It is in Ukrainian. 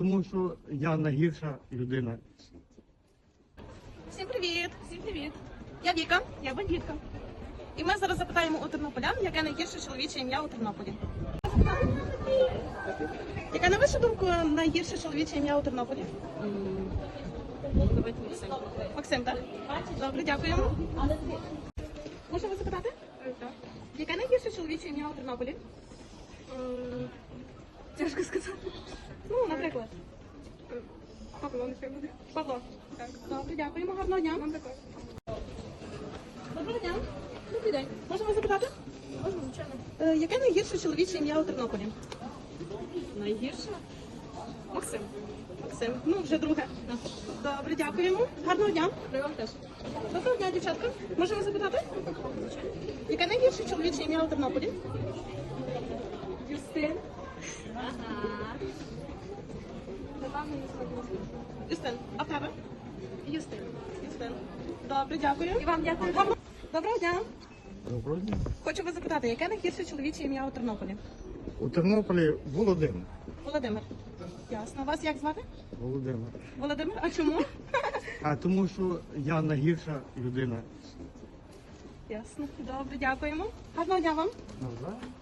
тому що я найгірша людина. Всім привіт! Всім привіт! Я Віка, я бандитка. І ми зараз запитаємо у тернополян, яке найгірше чоловіче ім'я у Тернополі. Яке, на вашу думку, найгірше чоловіче ім'я у Тернополі? Давайте Максим. Максим, так? Добре, дякуємо. Можна вас запитати? Так. Яке найгірше чоловіче ім'я у Тернополі? Тяжко сказати. Ну, наприклад. Павло, нехай буде. Павло. Так. Добре, дякуємо. Гарного дня. Вам також. Доброго дня. Добрий день. Можна вас запитати? Можна, звичайно. Яке найгірше чоловіче ім'я у Тернополі? Найгірше? Максим. Максим. Ну, вже друге. Добре, дякуємо. Гарного дня. При вам теж. Доброго дня, дівчатка. Можна вас запитати? Яке найгірше чоловіче ім'я у Тернополі? Юстин. Юстин. А в тебе? Юстин. Юстин. Добре, дякую. І вам дякую. Доброго дня. Доброго дня. Хочу вас запитати, яке найгірше чоловіче ім'я у Тернополі? У Тернополі Володимир. Володимир. Ясно. Вас як звати? Володимир. Володимир. А чому? А тому що я найгірша людина. Ясно. Добре, дякуємо. Гарного дня вам. Навзаєм.